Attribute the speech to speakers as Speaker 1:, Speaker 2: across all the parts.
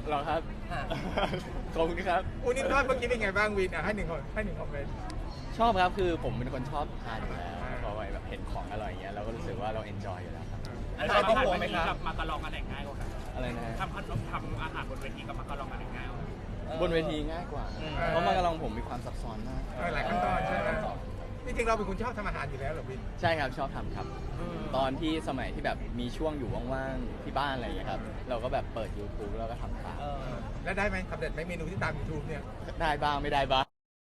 Speaker 1: หรอครับ
Speaker 2: ค่ะ
Speaker 1: ขอบคุณครับ
Speaker 3: อุนิทอดเมื่อกี้เป็นไงบ้างวินให้หนึ่งคอมเมนต์
Speaker 1: ชอบครับคือผมเป็นคนชอบทานอยู่แล้วพอไปแบบเห็นของอร่อยอย่างเงี้ยเราก็รู้สึกว่าเราเอนจอยอยู่แล้วครับ
Speaker 2: อาหารที่ห่วงไหมครับ
Speaker 4: กับมาการองอะไรง่ายกว่ากัน
Speaker 1: อะไรนะฮะ
Speaker 4: ทำอาหารบนเวทีกับมาการองอะไรง่ายกว่ากัน
Speaker 1: บนเวทีง่ายกว่า เพราะมากระลองผมมีความซับซ้อนมาก
Speaker 3: หลายขั้นตอนใช่ไหมจริงๆเราเป็นคนชอบทำอาหารอยู่แล้วเหรอวิน
Speaker 1: ใช่ครับชอบทำครับ ตอนที่สมัยที่แบบมีช่วงอยู่ว่างๆที่บ้านอะไรอย่างเงี้ยครับเราก็แบบเปิด YouTube แล้วก็ทำตาม
Speaker 3: แล้วได้ไหมสำเร็จไหมเมนูที่ตาม YouTube เนี่ย
Speaker 1: ได้บ้างไม่ได้บ้าง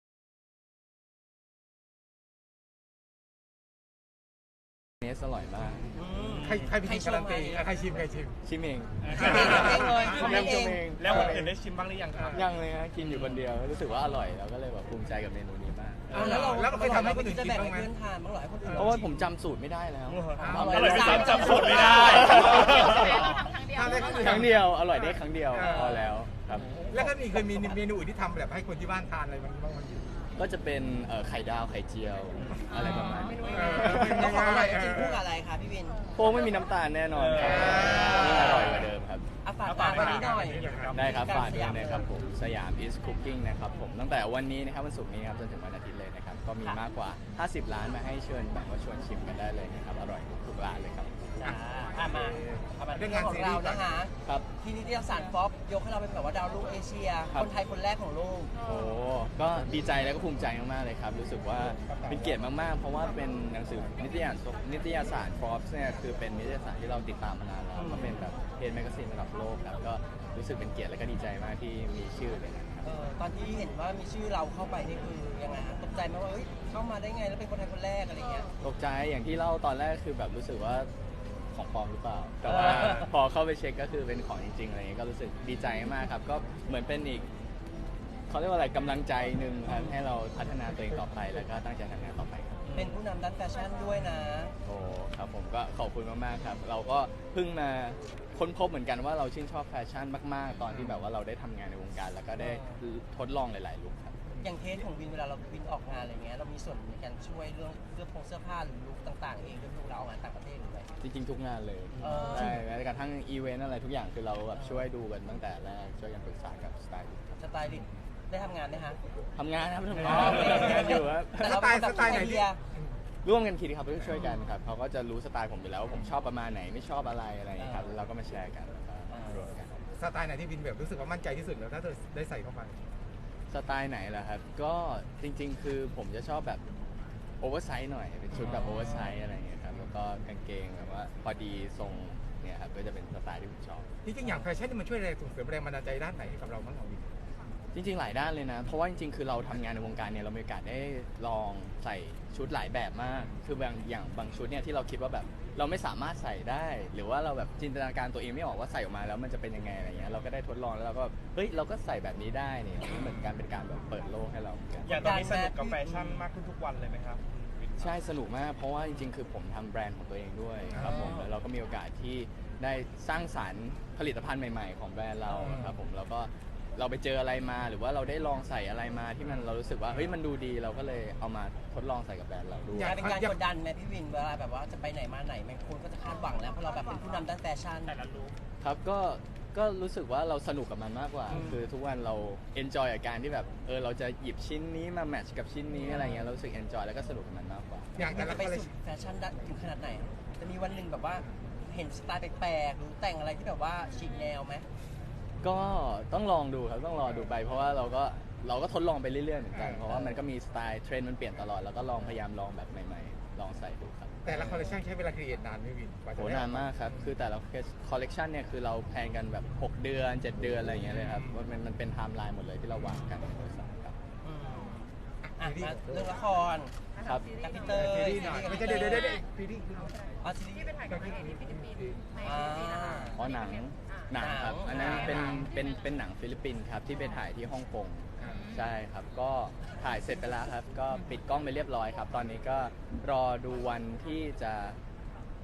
Speaker 1: เนสอร่อยมาก
Speaker 3: ใครเป็นคนการันตีใครชิม
Speaker 1: ชิมเอง
Speaker 2: ชิมเองเลย
Speaker 1: ทำเอง
Speaker 4: แล้วคนอื่นได้ชิมบ้างหรือยังครับ
Speaker 1: ยังเลยฮะกินอยู่คนเดียวรู้สึกว่าอร่อยเราก็เลยแบบภูมิใจกับเมนูนี้มาก
Speaker 2: แล้วเราเคยทำให้คนอื่นกินบ้างไหมเพื่อนทานบ้างหรอให้คนอื่น
Speaker 1: เพราะว่าผมจำสูตรไม่ได้แล้ว
Speaker 2: อร่อย
Speaker 4: ไม่จำสูตรไม่ได้
Speaker 3: ทำได้
Speaker 1: ครั้งเดียวอร่อยได้ครั้งเดียวพอแล้วครับ
Speaker 3: แล้วก็เคยมีเมนูอื่นที่ทำแบบให้คนที่บ้านทานอะไรบ้างไหม
Speaker 1: ก็จะเป็นไข่ดาวไข่เจียวอะไรประมาณนี้
Speaker 2: แล้วของอร่อยกินคู่กับอะไรคะพี่วิน
Speaker 1: โค้งไม่มีน้ำตาลแน่นอนครับนี่อร่อยกว่าเดิมครับ
Speaker 2: ฝากวันนี้หน่อย
Speaker 1: ได้ครับฝากด้วยนะครับผมสยาม is cooking นะครับผมตั้งแต่วันนี้นะครับวันศุกร์นี้ครับจนถึงวันอาทิตย์เลยนะครับก็มีมากกว่า50ร้านมาให้เชิญแบบว่าชวนชิมกันได้เลยนะครับอร่อยทุกร้านเลยครับ
Speaker 2: มาเรื่องงานของเรานะคะ
Speaker 1: ครับ
Speaker 2: ที่นิตยสารฟ็อบยกให้เราเป็นแบบว่าดาวรุ่งเอเชีย
Speaker 1: ครับ
Speaker 2: คนไทยคนแรกของโลก
Speaker 1: โอ้ก็ดีใจแล้วก็ภูมิใจมากๆเลยครับรู้สึกว่าเป็นเกียรติมากๆ เพราะว่าเป็นหนังสือนิตยสาร Forbes เนี่ยคือเป็นนิตยสารที่เราติดตามมานานแล้วก็เป็นแบบเพจแมกกาซีนระดับโลกครับก็รู้สึกเป็นเกียรติและก็ดีใจมากที่มีชื่อเลยนะครับ
Speaker 2: ตอนที่เห็นว่ามีชื่อเราเข้าไปนี่คือยังไงฮะตกใจไหมว่าเฮ้ยเข้ามาได้ไงแล้วเป็นคนไทยคนแรกอะไรเงี้ย
Speaker 1: ตกใจอย่างที่เล่าตอนแรกคือแบบรู้สึกว่าของปลอมหรือเปล่า แต่ว่าพอเข้าไปเช็คก็คือเป็นของจริงๆอะไรเงี้ยก็รู้สึกดีใจมากครับก็เหมือนเป็นอีกเขาเรียกว่าอะไรกำลังใจหนึ่งครับให้เราพัฒนาตัวเองต่อไปแล้วก็ตั้งใจทำงานต่อไปครับ
Speaker 2: เป็นผู้นำด้านแฟชั่นด้วยนะ
Speaker 1: โอ้ครับผมก็ขอบคุณมากๆครับเราก็เพิ่งมาค้นพบเหมือนกันว่าเราชื่นชอบแฟชั่นมากๆ ตอนที่แบบว่าเราได้ทำงานในวงการแล้วก็ได้ทดลองหลายๆลุคครับ
Speaker 2: อย่างเทสของวินเวลาเราวินออกงานอะไรเงี้ยเรามีส่วนในการช่วยเรื่องเสื้อผ้าหรือลุคต่างๆเองด้วยลูกเราออกงานต่างประเทศหรือไง
Speaker 1: จริงๆทุกงานเลยใช่แม้กระทั่งอีเวนต์อะไรทุกอย่างคือเราแบบช่วยดูกันตั้งแต่แรกช่วยกันปรึกษากับสไตลิสต์
Speaker 2: สไตลิสต์ได้ทำงานไหมฮะ
Speaker 1: ทำงานครับทำ
Speaker 2: อ๋
Speaker 1: งา
Speaker 2: อน โอเค
Speaker 1: ทำงานอยู่ครับ
Speaker 2: แต่เราเป็นแบบไอเดีย
Speaker 1: ร่วมกันคิดครับช่วยกันครับเขาก็จะรู้สไตล์ผมอยู่แล้วว่าผมชอบประมาณไหนไม่ชอบอะไรอะไรอย่างเงี้ยครับแล้วเราก็มาแชร์กันแล้วก็รวมกัน
Speaker 3: สไตล์ไหนที่วินแบบรู้สึกว่ามั่นใจที่สุดแล้วถ้าเธอได้ใส่เข้าไป
Speaker 1: สไตล์ไหนล่ะครับก็จริงๆ คือผมจะชอบแบบโอเวอร์ไซส์หน่อยเป็นชุดแบบโอเวอร์ไซส์อะไรอย่างเงี้ยครับแล้วก็กางเกงแบบว่าพอดีทรงเนี่ยครับก็จะเป็นสไตล์ที่ผมชอบ
Speaker 3: จริงๆอย่างแฟชั่นนี่มันช่วยอะไรส่งเสริมแรงบันดาลใจด้านไหนให้กับเราบ้างของวิน
Speaker 1: จริงๆ หลายด้านเลยนะ เพราะว่าจริงๆ คือเราทำงานในวงการเนี่ยเรามีโอกาสได้ลองใส่ชุดหลายแบบมาก คืบางชุดเนี่ยที่เราคิดว่าแบบเราไม่สามารถใส่ได้ หรือว่าเราแบบจินตนาการตัวเองไม่ออกว่าใส่ออกมาแล้วมันจะเป็นยังไงอะไรเงี้ย เราก็ได้ทดลองแล้วเราก็เฮ้ยเราก็ใส่แบบนี้ได้เนี่ยมันเหมือนกันเป็นการแบบเปิดโลกให้เราเหมือนกัน
Speaker 4: อย่างตอนนี้สนุกกับแฟชั่นมากขึ้นทุกวันเลยไหมครับ
Speaker 1: ใช่สนุกมากเพราะว่าจริงๆ คือผมทำแบรนด์ของตัวเองด้วยครับผมแล้วเราก็มีโอกาสที่ได้สร้างสรรค์ผลิตภัณฑ์ใหม่ๆ ของแบรนด์เราครับผมแล้วก็เราไปเจออะไรมาหรือว่าเราได้ลองใส่อะไรมาที่มันเรารู้สึกว่าเฮ้ยมันดูดีเราก็เลยเอามาทดลองใส่กับแบรนด์เราด้วย
Speaker 2: กลายเป็นการกดดันไหมพี่วินเวลาแบบว่าจะไปไหนมาไหนแม่งคนก็จะคาดหวังแล้วเพราะเราแบบเป็นผู้นำด้านแฟชั่น
Speaker 4: แต่ละลุค
Speaker 1: ครับก็รู้สึกว่าเราสนุกกับมันมากกว่า คือทุกวันเราเอนจอยกับการที่แบบเราจะหยิบชิ้นนี้มาแมทช์กับชิ้นนี้อะไรเงี้ยเรารู้สึกเอนจอยแล้วก็สนุกกับมันมากกว่า
Speaker 3: อย่างแต่
Speaker 2: มัน
Speaker 3: ละ
Speaker 2: จะไป
Speaker 3: คอลเลค
Speaker 2: สู่แฟชั่นถึงขนาดไหน จะมีวันหนึ่งแบบว่าเห็นสไตล์แปลกๆหรือแต่งอะไรที่แบบว่าฉีกแนวไหม
Speaker 1: ก็ต้องลองดูครับต้องรอดูไปเพราะว่าเราก็ทดลองไปเรื่อยๆเหมือนกันเพราะว่ามันก็มีสไตล์เทรนด์มันเปลี่ยนตลอดแล้วก็พยายามลองแบบใหม่ๆลองใส่ดูครับ
Speaker 3: แต่ละคอลเลคชันใช้เวลาครีเอทนานไหมวินกว่าจะ
Speaker 1: โห
Speaker 3: ได้
Speaker 1: นานมากครับคือแต่ละคอลเลกชันเนี่ยคือเราแพลนกันแบบ6เดือน7เดือนอะไรอย่างเงี้ยเลยครับมันเป็นไทม์ไลน์หมดเลยที่เราวางกันในบริษัทครับ
Speaker 2: อ่ะมาเรื่องละคร
Speaker 1: ครับ
Speaker 2: กับพี่เตย
Speaker 3: ซีรีส์หน่อยไม่ใช่เดี๋ยวซีรีส์
Speaker 2: อ๋อซีรีส์
Speaker 5: ที่ไปถ่ายกับนางเอกที่ฟิลิปปินส์ใน
Speaker 2: อ่า
Speaker 5: ฟิลิปปินส์นะคะ
Speaker 1: อ๋อหนังครับ อันนั้นเป็นหนังฟิลิปปินส์ครับที่ไปถ่ายที่ฮ่องกงใช่ครับก็ถ่ายเสร็จไปแล้วครับก็ปิดกล้องไปเรียบร้อยครับ ตอนนี้ก็รอดูวันที่จะ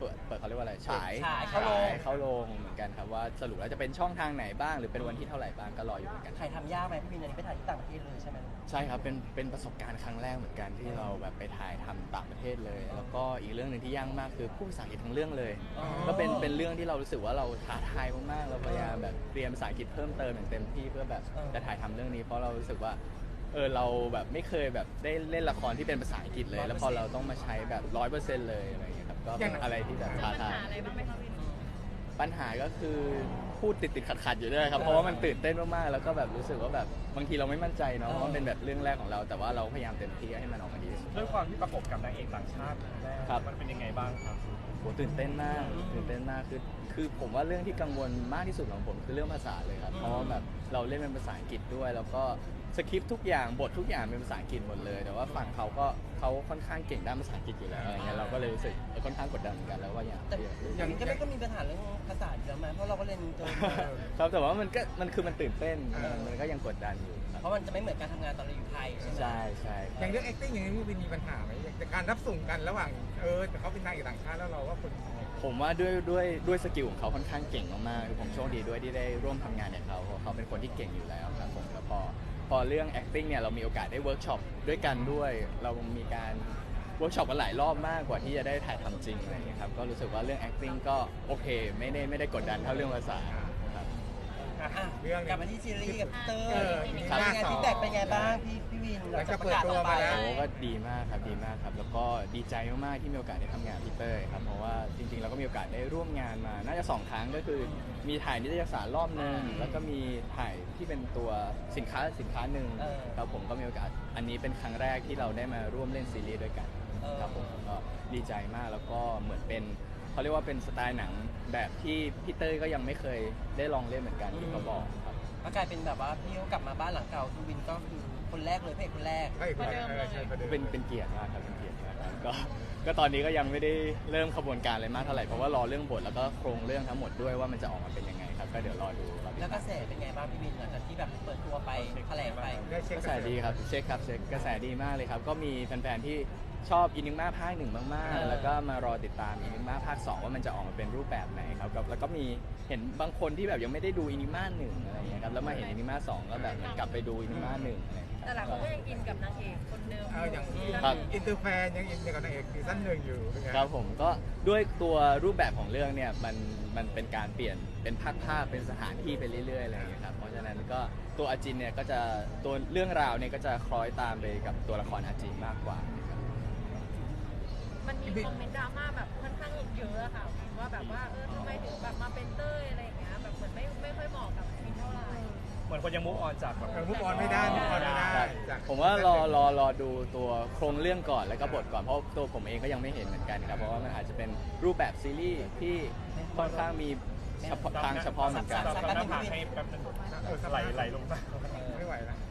Speaker 1: เปิดเขาเรียกว่าอะไรฉาย
Speaker 2: ฉายเข้าโรง
Speaker 1: เข้าโรงเหมือนกันครับว่าสรุปแล้วจะเป็นช่องทางไหนบ้างหรือเป็นวันที่เท่าไหร่บ้างก็รออยู่เหมือนกัน
Speaker 2: ถ่ายทำยากไหมพี่วินอันนี้ไปถ่ายที่ต่างประเทศเลยใช่ไหม
Speaker 1: ใช่ครับเป็นประสบการณ์ครั้งแรกเหมือนกันที่เราแบบไปถ่ายทำต่างประเทศเลย แล้วก็อีกเรื่องหนึ่งที่ยากมากคือพูดภาษาอังกฤษทั้งเรื่องเลย
Speaker 2: อ๋อ
Speaker 1: ก็เป็นเรื่องที่เรารู้สึกว่าเราท้าทายมากๆเราพยายามแบบเรียนภาษาอังกฤษเพิ่มเติมอย่างเต็มที่เพื่อแบบจะถ่ายทำเรื่องนี้เพราะเรารู้สึกว่าเราแบบไม่เคยแบบได้เล่นละครที่เป็นภาษาอังกฤษเลย แล้วพอเราต้องมาใช้แบบ 100% เลยอะไรอย่างเงี้ยครับก็เป็นอะไรที่แบบท้า
Speaker 5: ปัญ
Speaker 1: ทาย
Speaker 5: หาอะไรบ้างไหมคะวิน
Speaker 1: ปัญหาก็คือพูดติดขัดอยู่ด้วยครับเพราะว่ามันตื่นเต้นมากๆแล้วก็แบบรู้สึกว่าแบบบางทีเราไม่มั่นใจเนาะเพราะมันเป็นแบบเรื่องแรกของเราแต่ว่าเราพยายามเต็มที่ให้มันออกมาดีที่สุด
Speaker 4: ด้วยความที่ประกบกับนางเอกต่างชาติแรก
Speaker 1: ครับ
Speaker 4: มันเป็นยังไงบ้างครับ
Speaker 1: โหตื่นเต้นมากคือผมว่าเรื่องที่กังวลมากที่สุดของผมคือเรื่องภาษาเลยครับเพราะว่าแบบเราเล่นเป็นภาษาอังกฤษด้วยแล้วก็สคริปต์ทุกอย่างบททุกอย่างเป็นภาษาอังกฤษหมดเลย แต่ว่าฝั่งเขาค่อนข้างเก่งด้านภาษาอังกฤษอยู่แล้วอะไรเงี้ยเราก็เลยรู้สึกค่อนข้างกดดันเหมือนกันแล้วว่าอยาก
Speaker 2: แต่อย่างนี้ก็มีปัญหาเรื่องภาษาอยู่แล้วไหมเพราะเราก็เรียนเจอมา
Speaker 1: ครับแต่ว่ามันตื่นเต้นมันก็ยังกดดันอยู่ครับ
Speaker 2: เพราะมันจะไม่เหมือนการทำงานตอนเราอยู่ไทยใช่ไหม
Speaker 1: ใช่
Speaker 3: อย่างเรื่อง acting อย่างนี้พี่วินมีปัญหาไหมแต่การรับส่งกันระหว่างแต่เขาเป็นนางเอกต่างชาติแล้วเราว่าคน
Speaker 1: ผมว่าด้วยสกิลของเขาค่อนข้างเก่งมากๆคือผมโชคดีด้วยที่ได้ร่วมทำงานกับเขาเพราะเขาเป็นคนที่เก่งอยู่แล้วครับผมแล้วพอเรื่อง acting เนี่ยเรามีโอกาสได้เวิร์กช็อปด้วยกันด้วย เรามีการเวิร์กช็อปกันหลายรอบมากกว่าที่จะได้ถ่ายทำจริงอะไรอย่างเงี้ยครับก็รู้สึกว่าเรื่อง acting ก็โอเคไม่ได้กดดันเท่าเรื่องภาษาครับ
Speaker 2: อ่ะ
Speaker 3: เรื่อง
Speaker 2: กลับมาที่ซีรีส์กับเตอร์
Speaker 3: มี
Speaker 2: เป็นไง
Speaker 3: หน้า
Speaker 2: ฟีดแบ็กเป็นไงบ้างพี่วินหลังจากประกาศออกไป
Speaker 3: หลังจากเปิดตัวมาแล้ว
Speaker 1: โอ้ก็ดีมากครับแล้วก็ดีใจมากๆที่มีโอกาสได้ทำงานกับพี่เต้ยครับเพราะว่าจริงๆเราก็มีโอกาสได้ร่วมงานมาน่าจะ2 ครั้งก็คือมีถ่ายนิตยสารรอบนึงแล้วก็มีถ่ายที่เป็นตัวสินค้าหนึ่งครับผมก็มีโอกาสอันนี้เป็นครั้งแรกที่เราได้มาร่วมเล่นซีรีส์ด้วยกันครับผมก็ดีใจมากแล้วก็เหมือนเป็นเขาเรียกว่าเป็นสไตล์หนังแบบที่พี่เต้ยก็ยังไม่เคยได้ลองเล่นเหมือนกันที่เขาบอกครับ
Speaker 2: ก็กลายเป็นแบบว่าพี่เขากลับมาบ้านหลังเก่าคือวินก็คือคนแรกเลยพระเอกคนแรก
Speaker 3: ใช่คนเดิมใช่คนเดิม
Speaker 1: เป็นเกียรติมากครับเป็นเกียรติมากครับก็ตอนนี้ก็ยังไม่ได้เริ่มขบวนการอะไรมากเท่าไหร่เพราะว่ารอเรื่องบทแล้วก็โครงเรื่องทั้งหมดด้วยว่ามันจะออกมาเป็นยังไงครับก็เดี๋ยวรอดูรอติด
Speaker 2: แล้วก
Speaker 1: ตา
Speaker 2: ระ
Speaker 1: ม
Speaker 2: แสเป็นไงบ้างพี่วินหลังจากที่แบบเปิดตัวไปแถลงไป
Speaker 3: ได้เช็ค
Speaker 1: กระแสดีครับเช็คกระแสดีมากเลยครับก็มีแฟนๆที่ชอบอินิม่าภาค 1มากๆแล้วก็มารอติดตามอินิม่าภาค 2ว่ามันจะออกมาเป็นรูปแบบไหนครับแล้วก็มีเห็นบางคนที่แบบยังไม่ได้ดูอินิม่า1อะไรอย่างเงี้ยครับแล้วมาเห็นอินิม่า2ก็แบบเหมือนกลับไปดูอินิม่า1อะไรอย่างเงี้ย
Speaker 5: แต่หลายคนก็ยังอินกับนางเอกคนเดิม
Speaker 3: อย่าง
Speaker 1: ครับ
Speaker 3: อินเตอร์แฟนยังอินกับนางเอกซีซั่น 1อยู่เป็นไง
Speaker 1: ครับผมก็ด้วยตัวรูปแบบของเรื่องเนี่ยมันเป็นการเปลี่ยนเป็นภาคเป็นสถานที่ไปเรื่อยๆอะไรอย่างเงี้ยครับเพราะฉะนั้นก็ตัวอาจินเนี่ยก็จะตัวเรื่องราวเนี่ยก็จะคล้อยตามไปกับตัวละครอาจินมากกว่านะครับ
Speaker 5: มันมีคอมเมนต์ดราม่าแบบค่อนข้างเยอะอะค่ะว่าแบบว่าทำไมถึงแบบมาเป็นเต้ยอะไรอย่างเงี้ยแบบเหมือนไม่ค่อยเหมาะกับวินเท่าไหร่
Speaker 4: เหมือนคนยังมุกออนจากแบบ
Speaker 3: มุกออนไม่ได้จาก
Speaker 1: ผมว่ารอดูตัวโครงเรื่องก่อนแล้วก็บทก่อนเพราะตัวผมเองก็ยังไม่เห็นเหมือนกันครับเพราะว่ามันอาจจะเป็นรูปแบบซีรีส์ที่ค่อนข้างมีเฉพาะทางเฉพาะเหมือนกัน
Speaker 4: ทำหน้าผากให้แป๊บนึงไหลลงตา
Speaker 3: ไม่ไหวแล้ว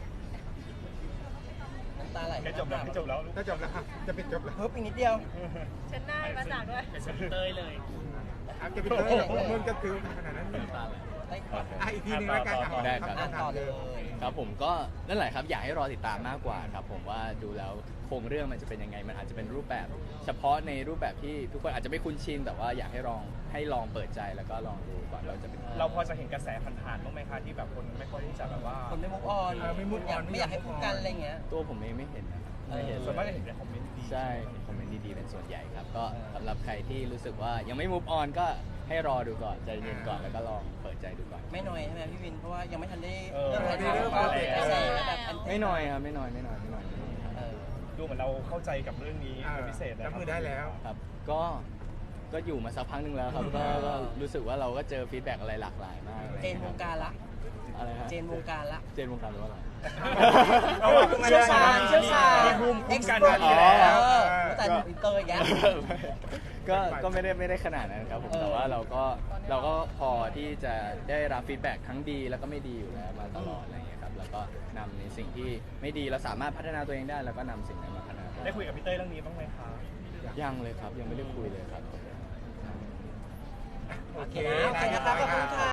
Speaker 2: น้ำตาไหล
Speaker 4: ใกล้จบแล้ว
Speaker 3: ถ้าจบแล้วจะปิดจบแล้ว
Speaker 2: เพิ่มอีกนิดเดียว
Speaker 5: เช็ดหน้าให้มาจากด้วย
Speaker 4: เป็นเต้ยเลย
Speaker 3: จะปิดเลยมึงจะคือขนาดนั้น
Speaker 2: ได้ก่อน
Speaker 3: อีกทีนึงแล้วกัน
Speaker 1: ได้ครับ
Speaker 2: อ่านต่อเลย
Speaker 1: ครับผมก็นั่นแหละครับอยากให้รอติดตามมากกว่าครับผมว่าดูแล้วโครงเรื่องมันจะเป็นยังไงมันอาจจะเป็นรูปแบบ เฉพาะในรูปแบบที่ทุกคนอาจจะไม่คุ้นชินแต่ว่าอยากให้ลองเปิดใจแล้วก็ลองดูก่อนเราจะเป็น
Speaker 4: เราพอจะเห็นกระแสผ่านๆบ้างไหมคะที่แบบคนไม่ค่อยที่จะแบบว่า
Speaker 2: คนไม่มุกออนไม่อยากให้พูดกันอะไรเงี้ย
Speaker 1: ตัวผมเองไม่เห็นนะครับไม่เห็น
Speaker 4: ส่วนมาก
Speaker 1: เล
Speaker 4: จะ
Speaker 1: ย
Speaker 4: เห็นในคอมเมนต์ดี
Speaker 1: ใช่คอมเมนต์ดีๆเป็นส่วนใหญ่ครับก็สำหรับใครที่รู้สึกว่ายังไม่ move on ก็ให้รอดูก่อนใจเย็นก่อนแล้วก็ลองเปิดใจดูก่อน
Speaker 2: ไม่น้อยใช่ไหมพี่วินเพราะว่ายังไม่ทันได้
Speaker 4: เริ่ม
Speaker 2: ถ่าย
Speaker 4: ถ่าย
Speaker 2: ทำ
Speaker 4: ทำ
Speaker 2: ก็เป็นกระแสแบบ
Speaker 1: ไม่น้อยครับไม่น้อยครับ
Speaker 4: ดูเหมือนเราเข้าใจกับเรื่องนี้เป็นพิเศษนะ
Speaker 3: รับมือได้แล้ว
Speaker 1: ครับก็อยู่มาสักพักหนึ่งแล้วครับก็รู้สึกว่าเราก็เจอฟีดแบ็กอะไรหลากหลายมาก
Speaker 2: เจนวงการละ
Speaker 1: อะไรฮะ
Speaker 2: เจนวงการละ
Speaker 1: เจนวงการหรือว่าอะไร
Speaker 2: เชี่ยวชาญ
Speaker 4: มีภูมิคุ้มกัน
Speaker 2: เอ็
Speaker 4: มาก
Speaker 2: ซ์
Speaker 4: อยู่
Speaker 2: แล้
Speaker 4: แล้ว
Speaker 2: วแต่อินเตอร์อย่างเงี้ย
Speaker 1: ก็ไม่ได้ขนาดนั้นครับผมแต่ว่าเราก็พอที่จะได้รับฟีดแบ็กทั้งดีแล้วก็ไม่ดีอยู่แล้วมาตลอดอะไรอย่างเงี้ยครับแล้วก็นำในสิ่งที่ไม่ดีเราสามารถพัฒนาตัวเองได้แล้วก็นำสิ่งนั้นมาพัฒนา
Speaker 4: ได้คุยกับพี่เต้ยเรื่องนี้บ้างไหมคะ
Speaker 1: ยังเลยครับยังไม่ได้คุยเลยครับ
Speaker 2: โอเคนะโอเคนะครับขอบคุณค่ะ